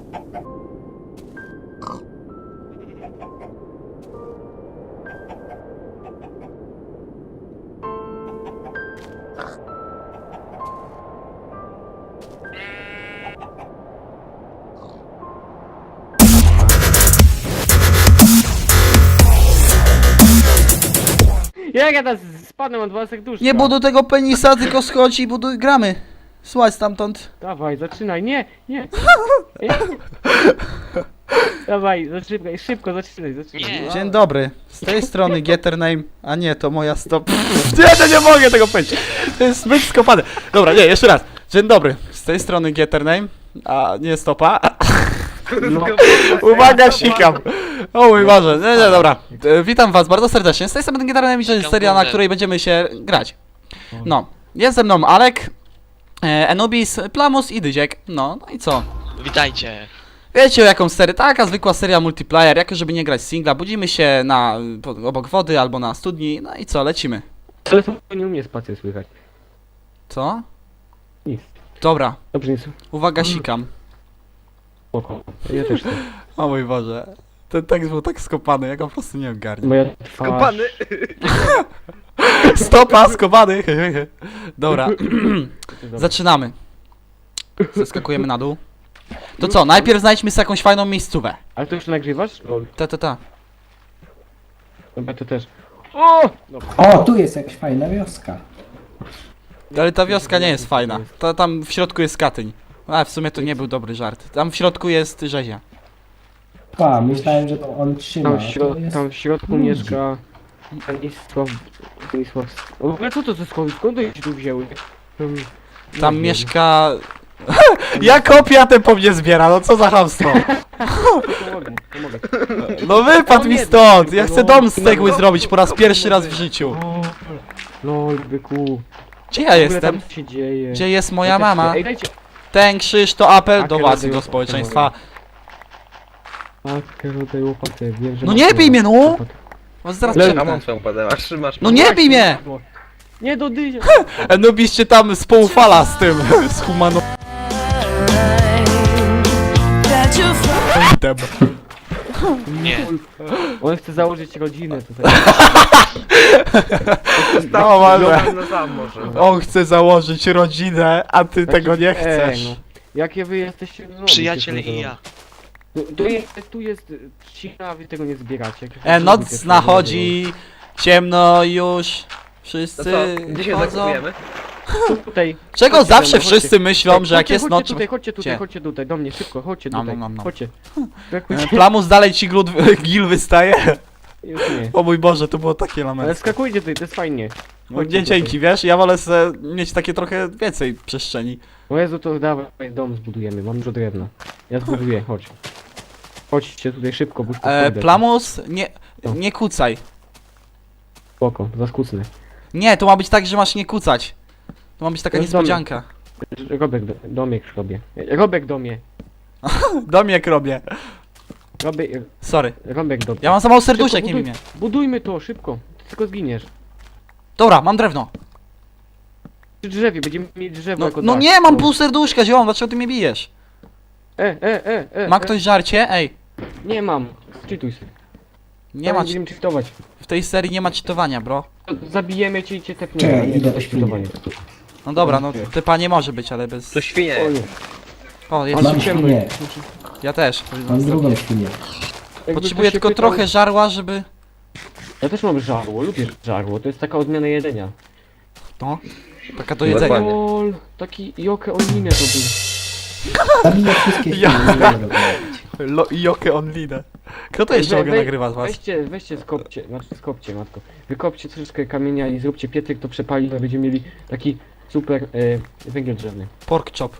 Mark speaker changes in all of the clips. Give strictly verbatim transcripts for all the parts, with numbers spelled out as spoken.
Speaker 1: Jak ja teraz spadłem, mam dwa serduszka.
Speaker 2: Nie buduj tego penisa, tylko schodź i buduj, gramy. Słuchaj stamtąd.
Speaker 1: Dawaj, zaczynaj, nie, nie. nie. Dawaj, zaczynaj, szybko, zaczynaj, zaczynaj.
Speaker 3: Nie.
Speaker 2: Dzień dobry. Z tej strony Gettername, a nie, to moja stop. Nie, no nie mogę tego powiedzieć. To jest zbyt skopane. Dobra, nie, jeszcze raz. Dzień dobry. Z tej strony Gettername, a nie stopa.
Speaker 1: No.
Speaker 2: Uwaga, sikam. O mój Boże, nie, nie, dobra. E, Witam was bardzo serdecznie. Z tej strony Gettername i to jest seria, na której będziemy się grać. No, jest ze mną Alek, e, Anubis, Plamus i Dyziek. No, no i co?
Speaker 3: Witajcie.
Speaker 2: Wiecie o jaką serię? Taka zwykła seria multiplayer, jako żeby nie grać singla. Budzimy się na po, obok wody albo na studni, no i co, lecimy.
Speaker 1: Ale to nie umie spację słychać.
Speaker 2: Co?
Speaker 1: Nic.
Speaker 2: Dobra,
Speaker 1: Dobrze, nie słychać.
Speaker 2: uwaga, sikam.
Speaker 1: Spoko. Ja też chcę.
Speaker 2: O mój Boże, ten tekst był tak skopany, ja go po prostu nie ogarnię.
Speaker 1: Moja twarz...
Speaker 4: Kopany!
Speaker 2: Stopa, skopany! Dobra, zaczynamy. Zeskakujemy na dół. To co, najpierw znajdźmy sobie jakąś fajną miejscówę.
Speaker 1: Ale to już nagrywasz? Lol.
Speaker 2: Ta, ta, ta.
Speaker 1: Dobra, to też. O! Dobra.
Speaker 5: O, tu jest jakaś fajna wioska.
Speaker 2: Ale ta wioska nie jest fajna. To tam w środku jest Katyń. A w sumie to nie był dobry żart. Tam w środku jest rzezia.
Speaker 5: A, myślałem, że to on trzyma.
Speaker 1: Tam w,
Speaker 5: a to
Speaker 1: środ
Speaker 5: jest...
Speaker 1: tam w środku
Speaker 5: ludzi.
Speaker 1: mieszka... Stanisław... Stanisław... O, w ogóle co to za skąd? Skąd oni się tu wzięły? Hmm, nie
Speaker 2: Tam
Speaker 1: wiem.
Speaker 2: mieszka... Ja kopia ten po mnie zbiera, no co za chamstwo.
Speaker 1: Pomogę, pomogę.
Speaker 2: No wypadł mi stąd! Ja chcę dom z cegły zrobić po raz pierwszy raz w życiu.
Speaker 1: O, lol, byku.
Speaker 2: Gdzie ja
Speaker 1: W ogóle
Speaker 2: jestem?
Speaker 1: tam się dzieje?
Speaker 2: Gdzie jest moja
Speaker 1: Ja też
Speaker 2: mama?
Speaker 1: chcę. Ej, dajcie...
Speaker 2: Ten krzyż to apel do
Speaker 1: Haker
Speaker 2: was i
Speaker 1: rodzaju
Speaker 2: do społeczeństwa.
Speaker 1: Tak, rodzaj łopatę, wiem, że...
Speaker 2: No
Speaker 1: masz
Speaker 2: nie bij mnie, no!
Speaker 1: łopatę.
Speaker 2: Was zaraz
Speaker 1: Le-
Speaker 4: A
Speaker 2: przepnę.
Speaker 4: mam swoją padę, a trzymasz.
Speaker 2: No nie bij mnie!
Speaker 1: Nie do dyzia!
Speaker 2: Anubis cię tam spoufala z tym, z humano...
Speaker 3: Nie.
Speaker 1: On chce założyć rodzinę tutaj.
Speaker 2: No, ale...
Speaker 4: No sam może.
Speaker 2: On chce założyć rodzinę, a ty tego nie chcesz.
Speaker 1: Ej, no. Jakie wy jesteście... No,
Speaker 3: Przyjaciel
Speaker 1: wiecie,
Speaker 3: i
Speaker 1: no.
Speaker 3: ja.
Speaker 1: Tu, tu jest, tu jest trzcina, a wy tego nie zbieracie. Jakie
Speaker 2: E,
Speaker 1: wy
Speaker 2: noc
Speaker 1: robicie,
Speaker 2: nachodzi, ciemno już,
Speaker 4: To
Speaker 2: wszyscy
Speaker 4: co, gdzie się
Speaker 2: chodzą.
Speaker 4: zakupujemy?
Speaker 1: Tu, tutaj.
Speaker 2: Czego
Speaker 1: Chodźcie
Speaker 2: zawsze
Speaker 1: ze mną,
Speaker 2: wszyscy
Speaker 1: chodźcie.
Speaker 2: myślą, że jak
Speaker 1: Chodźcie,
Speaker 2: jest
Speaker 1: chodźcie
Speaker 2: noc...
Speaker 1: tutaj, chodźcie tutaj,
Speaker 2: Gdzie?
Speaker 1: chodźcie tutaj, do mnie, szybko, chodźcie
Speaker 2: Nom,
Speaker 1: tutaj,
Speaker 2: nom, nom.
Speaker 1: chodźcie.
Speaker 2: E, Plamus dalej ci glut, gil wystaje.
Speaker 1: Już nie.
Speaker 2: O mój Boże, to było takie
Speaker 1: Ale
Speaker 2: lament.
Speaker 1: skakujcie tutaj, to jest fajnie.
Speaker 2: No, nie dzięki, wiesz, ja wolę se mieć takie trochę więcej przestrzeni.
Speaker 1: O Jezu, to dawaj, dom zbudujemy, mam dużo drewna. Ja zbuduję, chodź. Chodźcie tutaj szybko, bo już tu
Speaker 2: E,
Speaker 1: pójdę.
Speaker 2: Plamus, nie, nie kucaj.
Speaker 1: Spoko, zaskucnę.
Speaker 2: Nie, to ma być tak, że masz nie kucać. To ma być taka
Speaker 1: To jest
Speaker 2: niespodzianka.
Speaker 1: Robek, do, domiek robię. Robek domie.
Speaker 2: Domiek robię.
Speaker 1: Robek,
Speaker 2: Sorry.
Speaker 1: Robek domie.
Speaker 2: Ja mam za mało serduszek, nie
Speaker 1: buduj,
Speaker 2: wiem.
Speaker 1: Budujmy to, szybko. Ty tylko zginiesz.
Speaker 2: Dobra, mam drewno.
Speaker 1: Przy drzewie, będziemy mieć drzewo
Speaker 2: No,
Speaker 1: jako
Speaker 2: no
Speaker 1: dach.
Speaker 2: nie, mam pół serduszka, ziom, dlaczego ty mnie bijesz?
Speaker 1: E, e, e, e.
Speaker 2: Ma
Speaker 1: e.
Speaker 2: ktoś żarcie? Ej,
Speaker 1: Nie mam. Czytuj sobie.
Speaker 2: nie ma,
Speaker 1: Będziemy czytować.
Speaker 2: w tej serii nie ma cheatowania, bro.
Speaker 1: Zabijemy cię i cię tepniemy.
Speaker 5: Czekaj,
Speaker 1: Nie,
Speaker 5: idę
Speaker 1: to
Speaker 5: do
Speaker 1: jest
Speaker 5: świni.
Speaker 1: czytowanie.
Speaker 2: No dobra, no typa nie może być, ale bez...
Speaker 4: To świnie.
Speaker 1: O, nie.
Speaker 2: O, jest.
Speaker 5: Mam
Speaker 1: ciemno
Speaker 5: świnię,
Speaker 1: jest.
Speaker 2: Ja też.
Speaker 5: mam drugą świnię.
Speaker 1: Jakby
Speaker 2: Potrzebuję
Speaker 1: ktoś się
Speaker 2: tylko
Speaker 1: pytał-
Speaker 2: trochę żarła, żeby...
Speaker 1: Ja też mam żarło, lubię żarło, to jest taka odmiana jedzenia.
Speaker 2: No, taka do jedzenia.
Speaker 4: Dokładnie.
Speaker 1: Lol, taki joke oninę to był.
Speaker 5: Zabiję wszystkie
Speaker 2: Ja-
Speaker 5: świnie, nie mogę robić.
Speaker 2: Lo, joke online. Kto to jeszcze
Speaker 1: We-
Speaker 2: mogę
Speaker 1: we-
Speaker 2: nagrywać z was?
Speaker 1: Weźcie, weźcie skopcie, znaczy skopcie matko. Wykopcie troszeczkę kamienia i zróbcie piecyk, to przepali, to będziemy mieli taki super e, węgiel drzewny.
Speaker 2: Pork chop.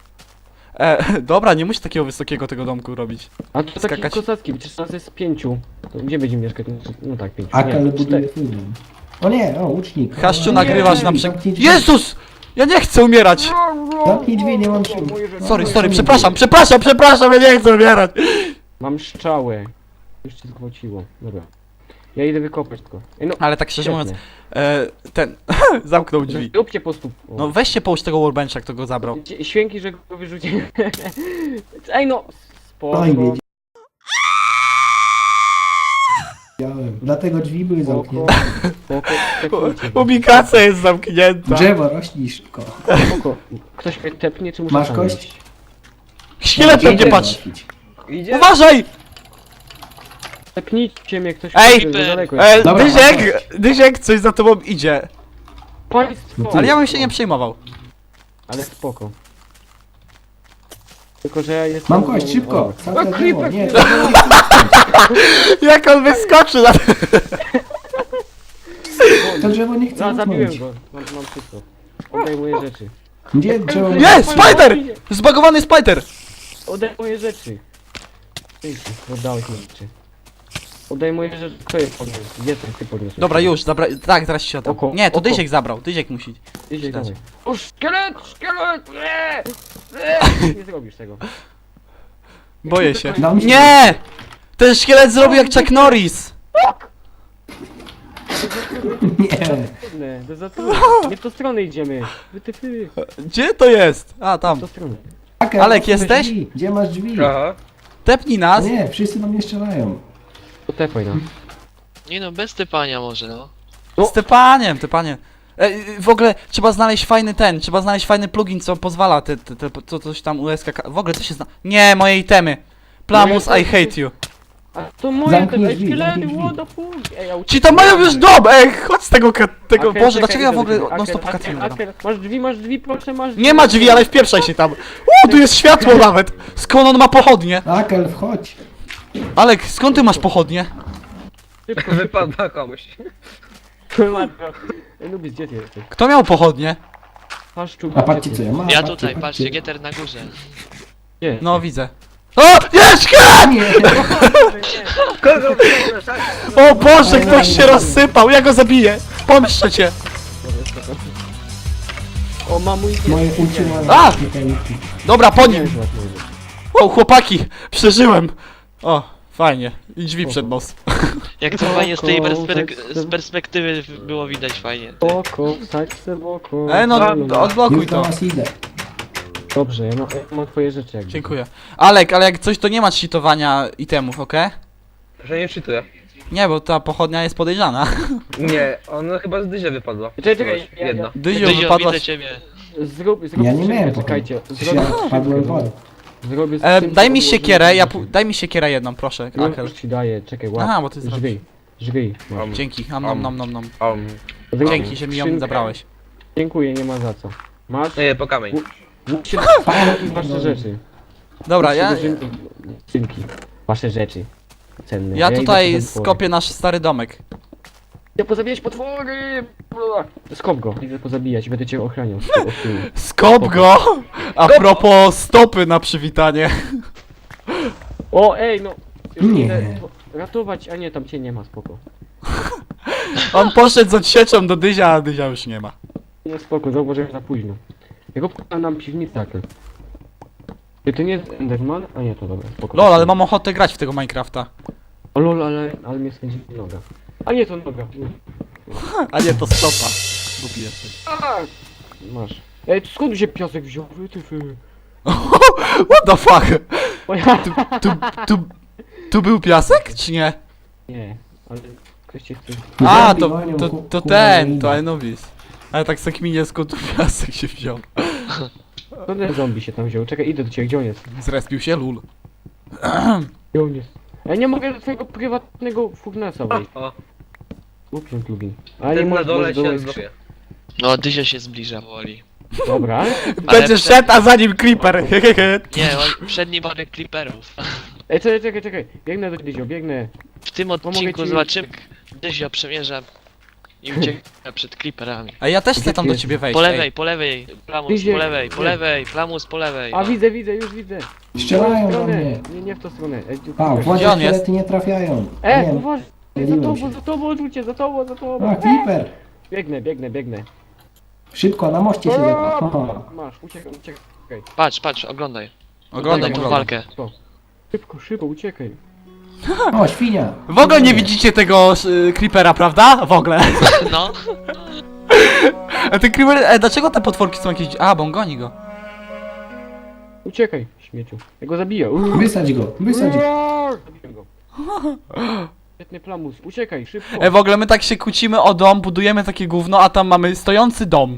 Speaker 2: E, dobra, nie musisz takiego wysokiego tego domku robić.
Speaker 1: A to taki
Speaker 2: Skakać.
Speaker 1: kosacki, przecież nas jest pięciu. To gdzie będziemy mieszkać? No, no tak, pięciu.
Speaker 5: Akal
Speaker 1: Nie,
Speaker 5: buduje
Speaker 1: cztery.
Speaker 5: swój dom. O nie, o, łucznik.
Speaker 2: Haszczu,
Speaker 5: O,
Speaker 2: nagrywasz
Speaker 5: nie,
Speaker 2: na
Speaker 5: drzwi,
Speaker 2: przykład...
Speaker 5: zamknij drzwi.
Speaker 2: Jezus! Ja nie chcę umierać!
Speaker 5: Zamknij drzwi, nie mam sił.
Speaker 2: Sorry, sorry, przepraszam, przepraszam, przepraszam, ja nie chcę umierać!
Speaker 1: Mam szczałę. Już cię zgwałciło. Dobra. Ja idę wykopać tylko. Ej, no,
Speaker 2: Ale tak szczerze mówiąc,
Speaker 1: świetnie.
Speaker 2: e, ten... zamknął drzwi.
Speaker 1: Róbcie po prostu. O.
Speaker 2: No weźcie połóż tego workbencha, kto go zabrał.
Speaker 1: Dzie- Święki, że go wyrzuciłem. Ej no! spoko,
Speaker 5: No i wiedziałem. Dlatego drzwi były
Speaker 1: spoko,
Speaker 5: zamknięte.
Speaker 1: spoko, tepnijcie go.
Speaker 2: Ubikacja jest zamknięta.
Speaker 5: Drzewo, rośnij szybko.
Speaker 1: Spoko. Ktoś mnie tepnie, czy muszę
Speaker 5: Masz
Speaker 1: sam
Speaker 5: kość?
Speaker 1: iść?
Speaker 2: Szkielet
Speaker 5: Idzie
Speaker 2: będzie patrz.
Speaker 5: załatwić.
Speaker 4: Idzie?
Speaker 2: Uważaj!
Speaker 1: Tepnijcie mnie, ktoś
Speaker 2: Ej!
Speaker 1: kurde, za daleko
Speaker 2: E,
Speaker 1: jest.
Speaker 5: Dobra,
Speaker 2: Dyziek, Dyziek, coś za tobą idzie.
Speaker 1: Państwo!
Speaker 2: Ale ja bym się nie przejmował.
Speaker 1: Ale spoko. Tylko, że ja jestem...
Speaker 5: Mam kość, szybko.
Speaker 1: O.
Speaker 5: Całe
Speaker 1: O,
Speaker 5: drzewo.
Speaker 1: creeper,
Speaker 5: Nie,
Speaker 1: creeper.
Speaker 2: Jak on wyskoczy na...
Speaker 5: to drzewo nie chce
Speaker 1: Za, zabiłem
Speaker 5: utknąć.
Speaker 1: go. Mam, mam wszystko. Oddaj moje rzeczy.
Speaker 5: Gdzie drzewo?
Speaker 2: Nie, spider! Zbagowany spider!
Speaker 1: Oddaj moje rzeczy. Dzięki, oddałeś moje rzeczy. Oddaj moje rzeczy. Kto je podniósł? Jestem, ty podniosłeś.
Speaker 2: Dobra, już, zabra... tak, zaraz się oddam.
Speaker 1: Oko,
Speaker 2: Nie, to
Speaker 1: oko.
Speaker 2: Dyziek zabrał, Dyziek musi.
Speaker 1: Idzie
Speaker 2: Dać.
Speaker 1: dalej. O, szkielet! Szkielet! Nie! Nie! Nie zrobisz tego.
Speaker 2: Boję się.
Speaker 5: Dał mi się-
Speaker 2: Nie! Ten szkielet zrobił jak Chuck Norris!
Speaker 5: Nie.
Speaker 1: Trudne, to za trudne. Nie w tą stronę idziemy. Wy ty, ty.
Speaker 2: Gdzie to jest? A,
Speaker 1: W
Speaker 2: tam.
Speaker 1: tą stronę.
Speaker 5: Aker,
Speaker 2: Alek,
Speaker 5: otwórz
Speaker 2: jesteś?
Speaker 5: drzwi. Gdzie masz drzwi?
Speaker 4: Aha.
Speaker 2: Tepnij
Speaker 5: No
Speaker 2: nas.
Speaker 5: nie, wszyscy do mnie strzelają.
Speaker 1: To tepaj nam.
Speaker 3: Nie no, bez typania może, no.
Speaker 1: No.
Speaker 2: Z Stepaniem, Stepanie. E, y, w ogóle trzeba znaleźć fajny ten, trzeba znaleźć fajny plugin, co pozwala te, te, te co coś tam U S K K. W ogóle co się zna... Nie, moje itemy. Plamus, I hate you.
Speaker 1: A to moje
Speaker 5: Zamknij
Speaker 1: te ej,
Speaker 5: drzwi,
Speaker 1: szkielety,
Speaker 5: zamknij
Speaker 1: what the fuck? Ej, ja
Speaker 2: Ci tam mają już dom! Ej, chodź z tego, ka- tego,
Speaker 1: Aker,
Speaker 2: Boże,
Speaker 1: czekaj,
Speaker 2: dlaczego ja
Speaker 1: idę
Speaker 2: w
Speaker 1: do
Speaker 2: ogóle
Speaker 1: ciebie.
Speaker 2: non stop
Speaker 1: Aker,
Speaker 2: cutscene
Speaker 1: Aker,
Speaker 2: gadam?
Speaker 1: Aker, masz drzwi, masz drzwi, proszę, masz drzwi.
Speaker 2: Nie ma drzwi, ale wpieprzaj się tam. Uuu, tu jest światło nawet! Skąd on ma pochodnie?
Speaker 5: Akel, wchodź.
Speaker 2: Alek, skąd ty masz pochodnie?
Speaker 1: Szybko,
Speaker 4: Wypadła komuś.
Speaker 1: szybko, matko. Ej, Nubis, gdzie ty jesteś?
Speaker 2: Kto miał pochodnie?
Speaker 1: Paszczu,
Speaker 5: A patrzcie co ja mam.
Speaker 3: Ja
Speaker 5: patrzcie,
Speaker 3: tutaj, patrzcie, Getter na górze.
Speaker 1: Gdzie?
Speaker 2: No, widzę. O, jest szkielet!
Speaker 5: Nie.
Speaker 4: Kogo
Speaker 2: O Boże, ktoś się rozsypał, ja go zabiję. Pomszczę cię.
Speaker 1: O, mam mój
Speaker 5: Moje utrzymane
Speaker 2: A!
Speaker 5: mekaniki.
Speaker 2: Dobra, po nim.
Speaker 1: Nie,
Speaker 2: O, chłopaki, przeżyłem. O, fajnie. I drzwi przed nos.
Speaker 3: Jak to fajnie z tej
Speaker 1: Spoko,
Speaker 3: perspek
Speaker 1: tak,
Speaker 3: z perspektywy było widać fajnie.
Speaker 1: Boko, wsadź se boko.
Speaker 2: Ej, no, odblokuj
Speaker 5: Już do
Speaker 2: to.
Speaker 5: was idę.
Speaker 1: Dobrze, ja mam, ja mam twoje rzeczy jakby.
Speaker 2: Dziękuję. Alek, ale jak coś, to nie ma cheatowania itemów, okej?
Speaker 4: Że nie czytuję.
Speaker 2: Nie, bo ta pochodnia jest podejrzana.
Speaker 4: Nie, ona chyba z dyzia wypadła.
Speaker 1: Czekaj, czekaj, ja-
Speaker 4: Jedna.
Speaker 2: Dyzio,
Speaker 3: Dyzio,
Speaker 2: wypadła...
Speaker 3: widzę ciebie.
Speaker 1: Zrób, zrób
Speaker 5: Ja nie
Speaker 1: skrzynkę,
Speaker 5: miałem
Speaker 1: czekajcie.
Speaker 5: pochodni.
Speaker 1: Zrobię
Speaker 5: Ja padłem w wodę.
Speaker 1: Zrobię
Speaker 2: E,
Speaker 1: skrzynkę,
Speaker 2: daj mi
Speaker 1: odłożę
Speaker 2: siekierę, ja
Speaker 1: na
Speaker 2: pu- daj mi siekierę jedną, proszę,
Speaker 1: No,
Speaker 2: Akel.
Speaker 1: już ci daję, czekaj, łap.
Speaker 2: Aha, bo ty zrobisz.
Speaker 1: Żryj, żryj. No.
Speaker 4: Um,
Speaker 2: Dzięki, nom nom nom nom nom.
Speaker 4: um.
Speaker 1: Zrób
Speaker 2: Dzięki, że mi ją
Speaker 1: skrzynkę.
Speaker 2: zabrałeś.
Speaker 1: Dziękuję, nie ma za co. Masz?
Speaker 4: Nie, po kamień.
Speaker 1: Musicie wasze rzeczy.
Speaker 2: Dobra, ja,
Speaker 1: Skrzynki. Wasze rzeczy. Cenne.
Speaker 2: ja
Speaker 1: idę
Speaker 2: tutaj
Speaker 1: po potwory.
Speaker 2: skopię nasz stary domek.
Speaker 1: Ja pozabijać potwory! Skop go, idę pozabijać, będę cię ochraniał. z tyłu, od tyłu.
Speaker 2: Skop go! A propos stopy na przywitanie.
Speaker 1: O, ej, no! Już
Speaker 5: Nie.
Speaker 1: idę ratować, a nie, tam cię nie ma, spoko.
Speaker 2: On poszedł z odsieczą do Dyzia, a Dyzia już nie ma.
Speaker 1: Nie, spoko, zauważyłem za późno. Jak opłynął nam piwnicę, tak. Czy to nie jest Enderman? A nie, to dobra, spoko.
Speaker 2: Lol, ale mam ochotę grać w tego Minecrafta.
Speaker 1: O lol, ale, ale mnie skręci noga. A nie, to noga.
Speaker 2: A nie, to stopa. Głupi jesteś.
Speaker 1: A! Masz. Ej, skąd mi się piasek wziął? Wy, ty, wy.
Speaker 2: What the fuck?
Speaker 1: O ja!
Speaker 2: Tu, tu, tu, tu był piasek, czy nie?
Speaker 1: Nie, ale ktoś cię chce...
Speaker 2: A,
Speaker 5: Zombie
Speaker 2: to,
Speaker 5: gonią
Speaker 2: to,
Speaker 5: ku-
Speaker 2: to
Speaker 5: ku-
Speaker 2: ten, to
Speaker 5: ku-
Speaker 2: Anubis. Ale tak sekminie skąd tu piasek się wziął.
Speaker 1: To ten zombie się tam wziął. Czekaj, idę do ciebie, gdzie on jest?
Speaker 2: Zrespił się, lul.
Speaker 1: Gdzie on jest? Ej, nie mogę do twojego prywatnego furnesa wejść.
Speaker 4: O,
Speaker 1: Uprzem plugin. A nie
Speaker 4: ten na
Speaker 1: możesz,
Speaker 4: dole
Speaker 1: możesz
Speaker 4: się
Speaker 1: dołączyć.
Speaker 4: zlokuje.
Speaker 3: No, Dyzio się zbliża powoli.
Speaker 1: Dobra.
Speaker 2: Będzie
Speaker 3: przed-
Speaker 2: szedł, a za nim creeper. Hehehe.
Speaker 3: Nie, on, przed nim parę creeperów.
Speaker 1: Ej, czekaj, czekaj, czekaj. Biegnę do Dyzio, biegnę.
Speaker 3: W tym
Speaker 1: Pomogę
Speaker 3: odcinku
Speaker 1: ci-
Speaker 3: zobaczymy, jak Dyzio przemierza i ucieka przed creeperami.
Speaker 2: A ja też chcę tam do
Speaker 1: Gdzie
Speaker 2: ciebie wejść.
Speaker 3: Po
Speaker 2: ej.
Speaker 3: lewej, po lewej, Plamus,
Speaker 1: Idzie-
Speaker 3: po lewej, po
Speaker 1: nie.
Speaker 3: lewej, Plamus, po lewej.
Speaker 1: A
Speaker 3: O.
Speaker 1: widzę, widzę, już widzę.
Speaker 5: Strzelają
Speaker 1: W tą
Speaker 5: do
Speaker 1: stronę.
Speaker 5: mnie.
Speaker 1: Nie, nie w tą stronę. Ej, tu,
Speaker 5: A,
Speaker 1: tu-
Speaker 5: władze
Speaker 2: Gdzie on jest?
Speaker 5: szkielety nie trafiają.
Speaker 1: E,
Speaker 5: Nie,
Speaker 1: uważaj, za
Speaker 5: myliłem
Speaker 1: tobą,
Speaker 5: się.
Speaker 1: za tobą, odrzucie, za tobą, za tobą.
Speaker 5: A, Creeper.
Speaker 1: Biegnę, biegnę, biegnę.
Speaker 5: Szybko, na moście się zepa. Haha.
Speaker 1: Masz, uciekaj, uciekaj.
Speaker 3: Patrz, patrz, oglądaj.
Speaker 2: Oglądaj,
Speaker 3: tą
Speaker 2: oglądaj.
Speaker 3: walkę.
Speaker 1: Szybko, szybko, uciekaj.
Speaker 5: O, świnia.
Speaker 2: W ogóle nie widzicie tego y, creepera, prawda? W ogóle.
Speaker 3: No,
Speaker 2: A ten creeper, e, dlaczego te potworki są jakieś... A, bo on goni go.
Speaker 1: uciekaj, śmieciu. Ja go zabiję. Uuu.
Speaker 5: Wysadź go, wysadź go.
Speaker 1: Roar! Zabiłem go. Świetny plamus, uciekaj, szybko.
Speaker 2: Ej, w ogóle my tak się kłócimy o dom, budujemy takie gówno, a tam mamy stojący dom.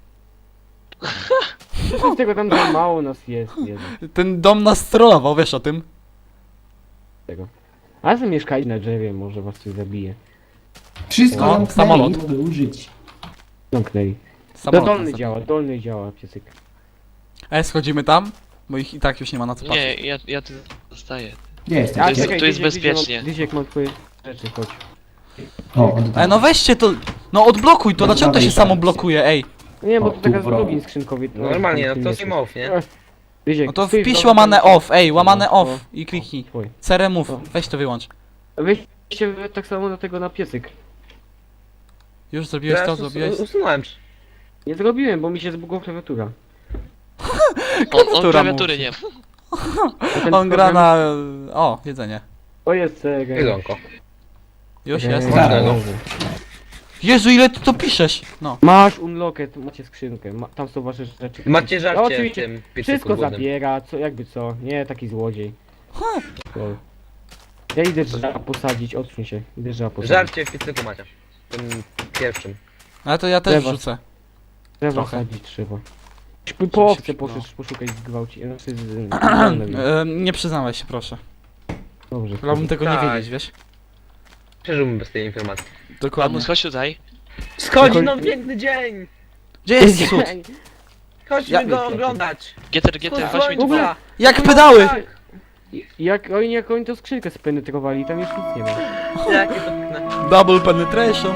Speaker 1: Z tego tam za mało nas jest, jeden.
Speaker 2: Ten dom nas trollował, wiesz o tym?
Speaker 1: Tego. A wy mieszkajcie na drzewie, może was coś zabije.
Speaker 5: Wszystko
Speaker 2: No,
Speaker 5: zamknęli,
Speaker 2: samolot.
Speaker 5: nie mogę użyć.
Speaker 1: Zamknęli. No
Speaker 2: Samolot
Speaker 1: dolny
Speaker 2: nas
Speaker 1: działa, dolny działa, piecyk.
Speaker 2: Ej, schodzimy tam? Bo ich i tak już nie ma na co
Speaker 3: Nie,
Speaker 2: patrzeć.
Speaker 3: ja, ja tu zostaję.
Speaker 5: Gdzie jesteś?
Speaker 3: To jest-
Speaker 5: Gdzie?
Speaker 3: tu jest
Speaker 1: Dyziek,
Speaker 3: bezpiecznie.
Speaker 1: Dyziek, Dyziek, mam twoje rzeczy, chodź.
Speaker 5: O, oddam.
Speaker 2: Ej, no weźcie to, no odblokuj to, dlaczego to się samo blokuje, ej?
Speaker 1: Nie, bo
Speaker 5: O,
Speaker 1: to taka z
Speaker 5: tu, bro.
Speaker 1: login skrzynkowy.
Speaker 4: Normalnie, no to same off, nie?
Speaker 1: Dyziek,
Speaker 2: No to
Speaker 1: stój w
Speaker 2: wpisz
Speaker 1: domu,
Speaker 2: łamane
Speaker 1: tam-
Speaker 2: off, ej, łamane
Speaker 1: No,
Speaker 2: off
Speaker 1: no,
Speaker 2: i kliknij.
Speaker 1: Twój.
Speaker 2: C remove, weź to wyłącz.
Speaker 1: Weźcie tak samo do tego na piecyk.
Speaker 2: Już zrobiłeś to,
Speaker 4: Teraz us-
Speaker 2: zrobiłeś?
Speaker 4: usunąłem.
Speaker 1: Nie zrobiłem, bo mi się zbugła klawiatura.
Speaker 3: On, on
Speaker 2: Klawiatura
Speaker 3: klawiatury
Speaker 2: mówi.
Speaker 3: nie ma.
Speaker 1: A ten
Speaker 2: On gra
Speaker 1: program-
Speaker 2: na... O, jedzenie.
Speaker 1: O jest Sega.
Speaker 4: Jedzonko.
Speaker 2: Już
Speaker 1: Eee,
Speaker 2: jest?
Speaker 5: Tak.
Speaker 1: dobrze.
Speaker 2: Jezu, ile ty to piszesz? No.
Speaker 1: Masz unlocket, macie skrzynkę, ma, tam są wasze rzeczy.
Speaker 4: Macie
Speaker 1: No,
Speaker 4: żarcie w
Speaker 1: oczywiście,
Speaker 4: tym piecyku
Speaker 1: wszystko
Speaker 4: głodnym.
Speaker 1: zabiera, co, jakby co, nie taki złodziej. Lol. Ja idę drzewa posadzić, odsuń się, idę drzewa posadzić.
Speaker 4: Żarcie w piecyku macie. Tym pierwszym.
Speaker 2: Ale to ja też
Speaker 1: Lewa.
Speaker 2: wrzucę.
Speaker 1: Drzewa
Speaker 2: trochę.
Speaker 1: sadzić trzeba. Po, po owce
Speaker 2: się
Speaker 1: poszedł,
Speaker 2: przydało.
Speaker 1: poszukaj zgwałci. Znaczy z...
Speaker 2: E, nie przyznawaj się, proszę.
Speaker 1: Dobrze.
Speaker 2: Wolałbym tego nie
Speaker 4: Tak.
Speaker 2: wiedzieć, wiesz?
Speaker 4: Przeżyłbym bez tej informacji.
Speaker 2: Dokładnie.
Speaker 3: Mamus, chodź tutaj.
Speaker 4: Schodzi no piękny dzień!
Speaker 2: Gdzie jest cud?
Speaker 4: Chodźmy
Speaker 2: Ja-
Speaker 4: go oglądać!
Speaker 3: Getter, getter, chodź mi tu.
Speaker 4: Słońca!
Speaker 2: Jak pedały!
Speaker 1: Jak oni, jak oni to skrzynkę spenetrowali, tam już nic nie ma.
Speaker 4: Jakie to piękne.
Speaker 2: Double penetration.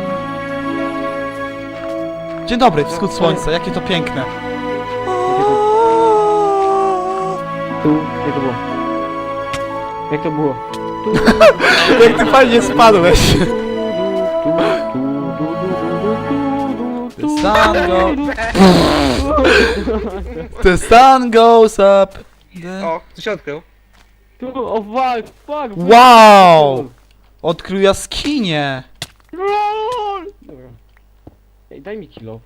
Speaker 2: Dzień dobry, wschód słońca, jakie to piękne.
Speaker 1: Tu, jak to było? Jak to było? Tu,
Speaker 2: Jak ty fajnie spadłeś. The sun go... The sun goes up. The...
Speaker 4: O, co się odkrył?
Speaker 1: Tu, o fuck, fuck!
Speaker 2: Wow! Odkrył jaskinię.
Speaker 1: LOL! Dobra. Ej, daj mi kilo.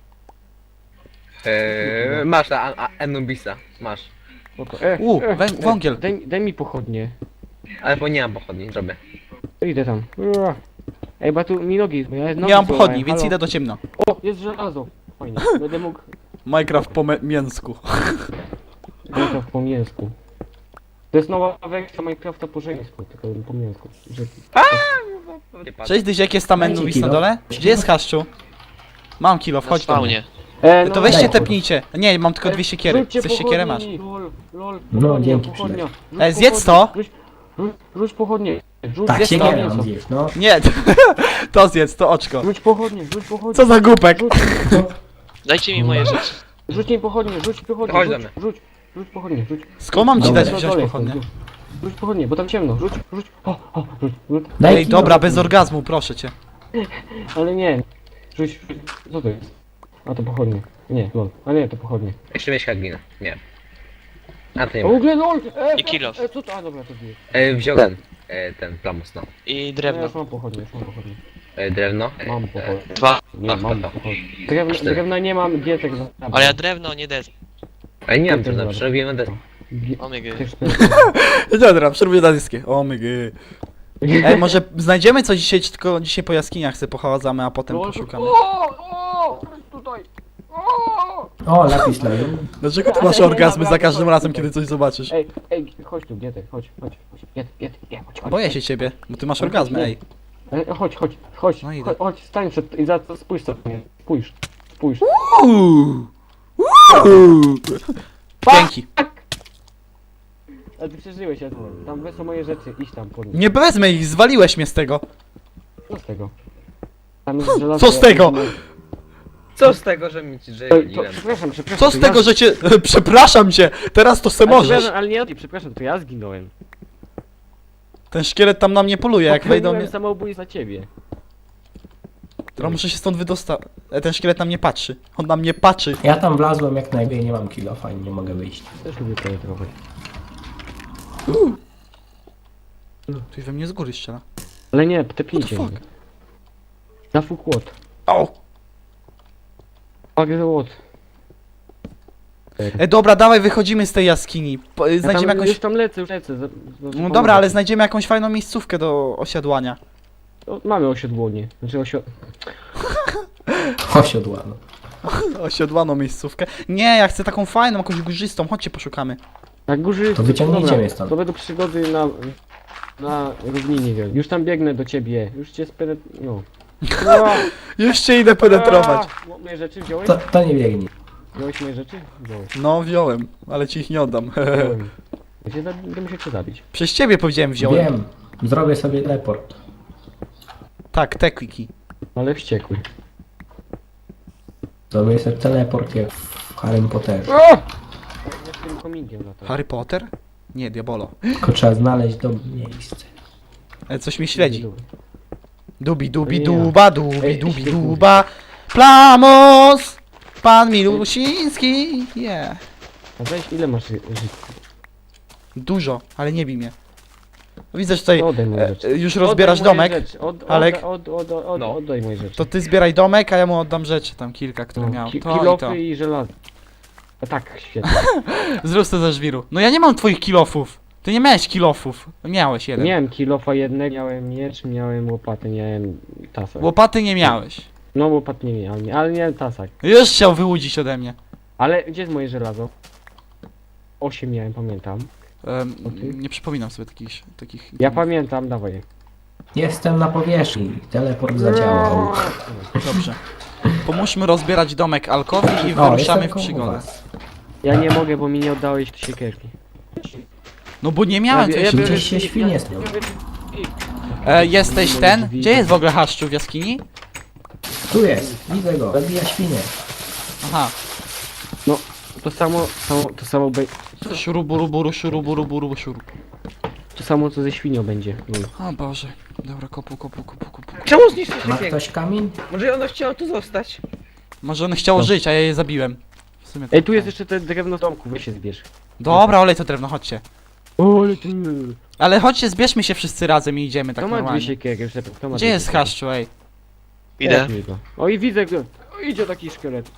Speaker 4: Eee, masz na a- a- Anubisa. Masz.
Speaker 1: Spoko. E,
Speaker 2: U,
Speaker 1: e,
Speaker 2: wę-
Speaker 1: e,
Speaker 2: wągiel.
Speaker 1: Daj, daj mi pochodnie.
Speaker 4: Ale bo nie mam pochodni, zrobię.
Speaker 1: To idę tam. Ua. Ej, bo tu mi nogi... Bo ja nogi
Speaker 2: Nie mam
Speaker 1: złamałem,
Speaker 2: pochodni, więc
Speaker 1: halo.
Speaker 2: idę do ciemna.
Speaker 1: O, jest żelazo. Fajnie. Będę mógł...
Speaker 2: Minecraft po me- mięsku.
Speaker 1: Minecraft po mięsku. To jest nowa wersja Minecrafta po żeńsku, tylko po mięsku. Że...
Speaker 4: Nie patrz.
Speaker 2: Cześć, Dyś, jak jest tam
Speaker 5: Dajcie
Speaker 2: Enubis na
Speaker 5: kilo.
Speaker 2: dole? Gdzie jest Haszczu? Mam kilo,
Speaker 3: Na
Speaker 2: wchodź do mnie.
Speaker 3: spawnie.
Speaker 1: E,
Speaker 2: To
Speaker 1: no,
Speaker 2: weźcie
Speaker 5: daj.
Speaker 2: tepnijcie. Nie, mam tylko
Speaker 1: E,
Speaker 2: dwie siekiery.
Speaker 1: rzućcie
Speaker 2: Chcesz siekierę masz?
Speaker 1: pochodni. Lol, lol,
Speaker 5: No,
Speaker 1: pochodnia,
Speaker 5: dzięki,
Speaker 1: pochodnia. Rzuć
Speaker 2: E, zjedz to.
Speaker 1: pochodnie. Rzuć, rzuć, rzuć pochodnie. Rzuć
Speaker 5: Tak,
Speaker 2: Jest
Speaker 5: się
Speaker 2: to
Speaker 5: nie
Speaker 1: mięso.
Speaker 5: mam zjeść, no.
Speaker 2: Nie, to zjedz, to oczko.
Speaker 1: Rzuć pochodnie, rzuć pochodnie.
Speaker 2: Co za głupek?
Speaker 1: Rzuć,
Speaker 3: Dajcie mi moje rzeczy.
Speaker 1: rzuć mi pochodnie, rzuć pochodnie,
Speaker 4: Chodź do
Speaker 1: rzuć,
Speaker 4: mnie.
Speaker 1: rzuć, rzuć pochodnie, rzuć.
Speaker 2: Skąd mam ci
Speaker 5: Dobra.
Speaker 2: dać
Speaker 1: Na
Speaker 2: wziąć
Speaker 1: dole
Speaker 2: pochodnie?
Speaker 1: są, rzuć. Rzuć pochodnie, bo tam ciemno, rzuć, rzuć. O, o, rzuć, rzuć.
Speaker 5: Daj
Speaker 2: Ej,
Speaker 5: kilo.
Speaker 2: dobra, bez orgazmu, proszę cię.
Speaker 1: Ale nie. Rzuć, rzuć. Co to jest? A to pochodnie. Nie, lol. A nie, to pochodnie.
Speaker 4: Jeszcze mieć haglinę. Nie. A to nie
Speaker 1: O, w
Speaker 4: ma.
Speaker 1: ogóle lol! E,
Speaker 3: I kill off.
Speaker 1: E, co to? A dobra, to bije.
Speaker 4: E, wziął ten. E, ten plamus, no.
Speaker 3: I
Speaker 1: Ja
Speaker 3: drewno.
Speaker 1: już mam pochodnie, już mam pochodnie.
Speaker 4: E, drewno. E,
Speaker 1: Mam
Speaker 4: e,
Speaker 1: pochodnie.
Speaker 3: Dwa.
Speaker 1: Nie, mam
Speaker 4: to.
Speaker 1: pochodnie. Drewna,
Speaker 4: Cztery.
Speaker 1: drewna nie mam, gietek za...
Speaker 3: Ale ja drewno, nie des.
Speaker 4: Ale nie mam
Speaker 1: To
Speaker 4: drewna,
Speaker 1: dobra.
Speaker 4: przerobiłem na deskę.
Speaker 1: Gie-
Speaker 3: Omega.
Speaker 1: też
Speaker 2: Dobra, przerwuję na dyskie. O my gy. Ej, może znajdziemy coś dzisiaj, czy tylko dzisiaj po jaskiniach sobie pochadzamy, a potem
Speaker 1: Lol,
Speaker 2: poszukamy.
Speaker 1: O, o, tutaj. O!
Speaker 5: O, lapis lazuli.
Speaker 2: Dlaczego ty masz orgazmy za każdym razem, kiedy coś zobaczysz?
Speaker 1: Ej, ej, chodź tu, Gietek, chodź, chodź, chodź, Gietek, Gietek, Gietek, chodź, chodź.
Speaker 2: Boję się ciebie, bo ty masz orgazmy, ej.
Speaker 1: Ej, chodź, chodź, chodź,
Speaker 2: No idę.
Speaker 1: chodź, chodź, stań przed... i za co, spójrz co mnie, spójrz, spójrz.
Speaker 2: Uuu. Uuu. Dzięki.
Speaker 1: Ale ty przeżyłeś, ja tam wezmę moje rzeczy, idź tam po nie.
Speaker 2: Nie wezmę ich, zwaliłeś mnie z tego.
Speaker 1: Co z tego? Tam jest żelazo.
Speaker 2: Co z tego?
Speaker 4: Co z tego, że mi ci
Speaker 1: Ej, to,
Speaker 4: żeliłem?
Speaker 1: przepraszam, przepraszam.
Speaker 2: Co z
Speaker 1: to
Speaker 2: tego,
Speaker 1: ja...
Speaker 2: że cię... Przepraszam cię, teraz to se
Speaker 1: Ale
Speaker 2: możesz.
Speaker 1: przepraszam, ale nie, przepraszam, to ja zginąłem.
Speaker 2: Ten szkielet tam na mnie poluje, jak wejdą
Speaker 1: Popełniłem
Speaker 2: mnie...
Speaker 1: samobójstwo za ciebie.
Speaker 2: Teraz muszę się stąd wydostać. E, ten szkielet na mnie patrzy. On na mnie patrzy.
Speaker 5: Ja tam wlazłem jak najmniej, nie mam kilo, fajnie, nie mogę wyjść.
Speaker 1: Też lubię to trochę.
Speaker 2: Coś we mnie z góry strzela.
Speaker 1: Ale nie,
Speaker 2: What
Speaker 1: tepnijcie
Speaker 2: the
Speaker 1: mnie.
Speaker 2: fuck?
Speaker 1: Na full kłot.
Speaker 2: O!
Speaker 1: Fuck the łot.
Speaker 2: E, dobra, dawaj, wychodzimy z tej jaskini. Po,
Speaker 1: Ja
Speaker 2: znajdziemy
Speaker 1: tam,
Speaker 2: jakąś...
Speaker 1: Już tam lecę, już lecę. za- za-
Speaker 2: No
Speaker 1: pomogę
Speaker 2: dobra, ale
Speaker 1: ci.
Speaker 2: znajdziemy jakąś fajną miejscówkę do osiadłania.
Speaker 1: O, mamy osiodłonie. Znaczy osio...
Speaker 5: Osiodłano.
Speaker 2: Osiadłaną miejscówkę. Nie, ja chcę taką fajną, jakąś górzystą, chodźcie poszukamy.
Speaker 1: Na górze...
Speaker 5: To wyciągnijcie
Speaker 1: dobra,
Speaker 5: mnie stąd.
Speaker 1: To będą przygody na... Na równinie, wiem. Już tam biegnę do ciebie. Już cię spenet... No. No.
Speaker 2: Już cię idę penetrować.
Speaker 1: A, moje rzeczy wziąłeś?
Speaker 5: To, to nie biegnie.
Speaker 1: Wziąłeś moje rzeczy? Wziąłeś.
Speaker 2: No, wziąłem, ale ci ich nie oddam.
Speaker 1: Wziąłem. Ja cię za... Będę musiał cię zabić.
Speaker 2: Przez ciebie powiedziałem wziąłem.
Speaker 5: Wiem. Zrobię sobie teleport.
Speaker 2: Tak, te kliki.
Speaker 1: Ale wściekły.
Speaker 5: Zrobię sobie teleport jak w Harry Potterze.
Speaker 1: O! Ja z tym komingiem na to.
Speaker 2: Harry Potter? Nie, Diabolo.
Speaker 5: Tylko trzeba znaleźć dobre miejsce.
Speaker 2: E, coś mnie śledzi. Dubi, dubi,
Speaker 1: Nie.
Speaker 2: duba, dubi,
Speaker 1: Ej,
Speaker 2: dubi,
Speaker 1: świetnie.
Speaker 2: duba. Plamos! Pan Milusiński, yeah.
Speaker 1: A weź, ile masz ży- życia?
Speaker 2: Dużo, ale nie bij mnie. Widzę, że tutaj
Speaker 1: Oddaj moje
Speaker 2: e,
Speaker 1: rzeczy.
Speaker 2: e, już rozbierasz
Speaker 1: Oddaj moje
Speaker 2: domek.
Speaker 1: rzeczy. Od,
Speaker 2: Alek?
Speaker 1: Od, od, od, od,
Speaker 4: No.
Speaker 1: Oddaj moje rzeczy.
Speaker 2: To ty zbieraj domek, a ja mu oddam rzeczy, tam kilka, które
Speaker 1: No,
Speaker 2: miał.
Speaker 1: ki-
Speaker 2: To i to.
Speaker 1: kilofy i żelazo. A tak, świetnie.
Speaker 2: Zrób to ze żwiru. No ja nie mam twoich kilofów. Ty nie miałeś kilofów. Miałeś jeden.
Speaker 1: Miałem kilofa jednego, miałem miecz, miałem łopatę, miałem tasak.
Speaker 2: Łopaty nie miałeś.
Speaker 1: No łopat nie miałem, ale miałem tasak.
Speaker 2: Już chciał wyłudzić ode mnie.
Speaker 1: Ale gdzie jest moje żelazo? Osiem miałem, pamiętam.
Speaker 2: Em,
Speaker 1: O ty?
Speaker 2: nie przypominam sobie takich... takich
Speaker 1: Ja pamiętam, dawaj.
Speaker 5: Jestem na powierzchni. Teleport zadziałał.
Speaker 2: Dobrze. Pomóżmy rozbierać domek Alkowi i
Speaker 5: O,
Speaker 2: wyruszamy
Speaker 5: jestem
Speaker 2: w
Speaker 5: koło
Speaker 2: przygodę.
Speaker 5: was.
Speaker 1: Ja nie mogę, bo mi nie oddałeś siekierki.
Speaker 2: No bo nie miałem
Speaker 1: Ja-
Speaker 2: tej
Speaker 1: ja
Speaker 2: rzeczy.
Speaker 1: biorę-
Speaker 5: Gdzieś się świnie snią.
Speaker 2: E, jesteś ten? Gdzie jest w ogóle Haszczu w jaskini?
Speaker 5: Tu jest. Widzę go. Zabija świnie.
Speaker 2: Aha.
Speaker 1: To samo, samo to samo be,
Speaker 2: Szuruburuburu, szuruburuburu, szuru.
Speaker 1: to samo co ze świnią będzie. No.
Speaker 2: O Boże. Dobra, kopu, kopu, kopu, kopu.
Speaker 4: Czemu zniszczyć
Speaker 5: Ma
Speaker 4: pięknie?
Speaker 5: ktoś kamień?
Speaker 4: Może ono chciało tu zostać?
Speaker 2: Może one chciało
Speaker 1: Co?
Speaker 2: żyć, a ja je zabiłem. W sumie to
Speaker 1: Ej, tu jest
Speaker 2: tak.
Speaker 1: jeszcze te drewno z domku, weź się zbierz.
Speaker 2: Dobra, olej to drewno, chodźcie.
Speaker 1: O, ale ten...
Speaker 2: Ale chodźcie, zbierzmy się wszyscy razem i idziemy tak
Speaker 1: Kto ma dwie
Speaker 2: normalnie.
Speaker 1: siekiery? Już lepiej, kto ma
Speaker 2: Gdzie
Speaker 1: dwie
Speaker 2: jest
Speaker 1: siekiery?
Speaker 2: Haszczu, ej?
Speaker 3: Idę.
Speaker 1: Weź mi go. O i widzę go. O, idzie taki szkielet.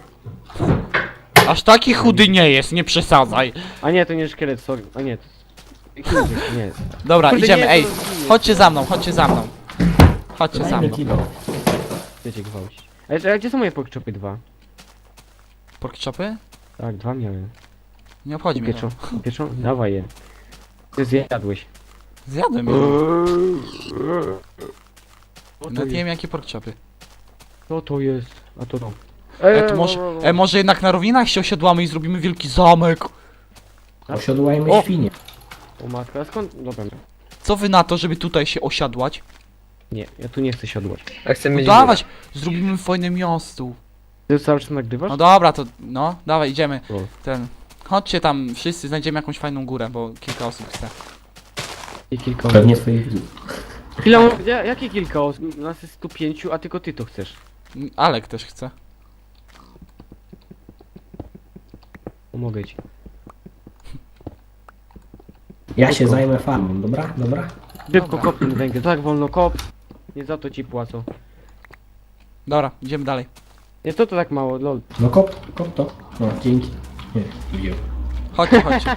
Speaker 2: Aż taki chudy nie jest, nie przesadzaj.
Speaker 1: A nie, to nie szkielet, sorry. A nie, to jest... Chińczyk, nie jest.
Speaker 2: Dobra,
Speaker 1: Kurde,
Speaker 2: idziemy,
Speaker 1: nie,
Speaker 2: ej.
Speaker 1: to zginie.
Speaker 2: Chodźcie za mną, chodźcie za mną. Chodźcie za
Speaker 5: Dajmy
Speaker 2: mną.
Speaker 5: kilo.
Speaker 1: Chcecie gwałcić. Ale a gdzie są moje porkchopy dwa?
Speaker 2: Pork chopy?
Speaker 1: Tak, dwa miałem.
Speaker 2: Nie obchodzi mnie to.
Speaker 1: Pieczą, pieczą? Dawaj je. Ty zjadłeś.
Speaker 2: Zjadłem je.
Speaker 1: Co to
Speaker 2: Nawet nie
Speaker 1: jest?
Speaker 2: wiem jakie pork chopy.
Speaker 1: Co to jest? A to to.
Speaker 2: E, to może, e, może jednak na równinach się osiadłamy i zrobimy wielki zamek.
Speaker 5: Osiodłajmy
Speaker 1: O!
Speaker 5: świnie.
Speaker 1: O matka, a skąd? Dobra.
Speaker 2: Co wy na to, żeby tutaj się osiadłać?
Speaker 1: Nie, ja tu nie chcę siodłać.
Speaker 4: Ja chcę
Speaker 2: No
Speaker 4: mieć
Speaker 2: dawać, zrobimy fajne miasto.
Speaker 1: Ty cały czas nagrywasz?
Speaker 2: No dobra, to no, dawaj, idziemy.
Speaker 1: O.
Speaker 2: Ten. Chodźcie tam, wszyscy znajdziemy jakąś fajną górę, bo kilka osób chce.
Speaker 1: I kilka
Speaker 5: Pewnie swoich widzów.
Speaker 1: Ile mam, ja, jakie kilka osób? Nas jest tu pięciu, a tylko ty to chcesz.
Speaker 2: Mm, Alek też chce.
Speaker 1: Pomogę ci.
Speaker 5: Ja się zajmę farmą, dobra? Dobra?
Speaker 1: Szybko kop ten węgiel, tak wolno kop. Nie za to ci płacą.
Speaker 2: Dobra, idziemy dalej.
Speaker 1: Nie, to to tak mało, lol.
Speaker 5: No kop, kop to. No, dzięki. Nie, wziął.
Speaker 2: Chodźcie, chodźcie.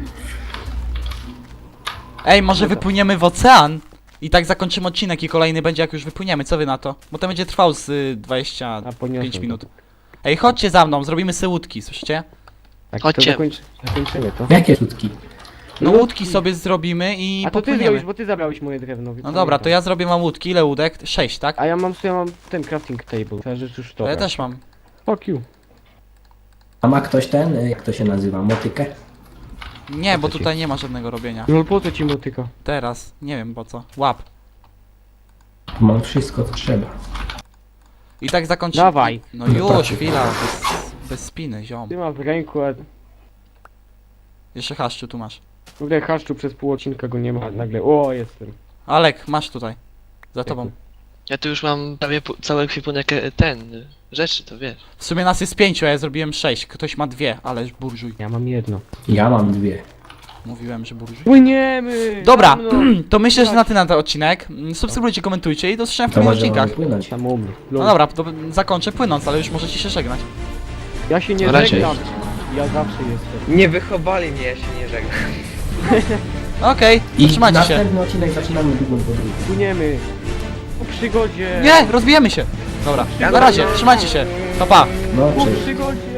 Speaker 2: Ej, może wypłyniemy w ocean? I tak zakończymy odcinek i kolejny będzie jak już wypłyniemy, co wy na to? Bo to będzie trwał z y, dwadzieścia
Speaker 1: A poniosłem
Speaker 2: pięć
Speaker 1: to.
Speaker 2: minut. Ej, chodźcie za mną, zrobimy sobie łódki, słyszycie?
Speaker 1: Tak,
Speaker 3: Chodźcie.
Speaker 1: to zakończy, zakończymy to.
Speaker 5: Jakie szutki?
Speaker 2: No łódki sobie zrobimy i
Speaker 1: A to ty
Speaker 2: popłyniemy.
Speaker 1: zrobisz, bo ty zabrałeś moje drewno.
Speaker 2: No dobra, to ja zrobię mam łódki, ile łódek? Sześć, tak?
Speaker 1: A ja mam, ja mam ten crafting table. Ta rzecz już to.
Speaker 2: To ja też mam.
Speaker 1: Fuck you.
Speaker 5: A ma ktoś ten, y, jak to się nazywa, motykę?
Speaker 2: Nie, bo
Speaker 1: Co ci?
Speaker 2: tutaj nie ma żadnego robienia.
Speaker 1: No po co ci motyka?
Speaker 2: Teraz, nie wiem po co. Łap.
Speaker 5: Mam wszystko, co trzeba.
Speaker 2: I tak zakończymy.
Speaker 1: Dawaj.
Speaker 2: No już, chwila, bez, bez spiny, ziom.
Speaker 1: Ty masz w ręku, a
Speaker 2: Jeszcze Haszczu tu masz.
Speaker 1: w ogóle haszczu przez pół odcinka go nie ma. Nagle, o jestem.
Speaker 2: Alek, masz tutaj. Za tobą.
Speaker 3: Ja tu już mam prawie pu- cały ekwipunek e, ten, y, rzeczy, to wiesz.
Speaker 2: W sumie nas jest pięciu, a ja zrobiłem sześć. Ktoś ma dwie, ależ burżuj.
Speaker 1: Ja mam jedno.
Speaker 5: Ja mam dwie.
Speaker 2: Mówiłem, że burżuj.
Speaker 1: Płyniemy!
Speaker 2: Dobra,
Speaker 1: Za mną.
Speaker 2: to myślę, że na tyle na ten odcinek. Subskrybujcie, komentujcie i do zobaczenia w
Speaker 5: To
Speaker 2: kolejnych
Speaker 5: może mamy
Speaker 2: odcinkach.
Speaker 5: płynąć.
Speaker 1: Tam u mnie.
Speaker 2: No dobra, to zakończę płynąc, ale już możecie się żegnać.
Speaker 1: Ja się nie
Speaker 3: Na razie.
Speaker 1: żegnam. Ja zawsze jestem.
Speaker 4: Nie wychowali mnie, ja się nie żegnam.
Speaker 2: Okej,
Speaker 5: I
Speaker 2: trzymajcie się.
Speaker 5: następny odcinek zaczynamy drugą podróż.
Speaker 1: Płyniemy. Po przygodzie.
Speaker 2: Nie, rozbijemy się. Dobra, na razie, trzymajcie się. Pa, pa.
Speaker 5: No,
Speaker 1: Po
Speaker 5: cześć.
Speaker 1: przygodzie.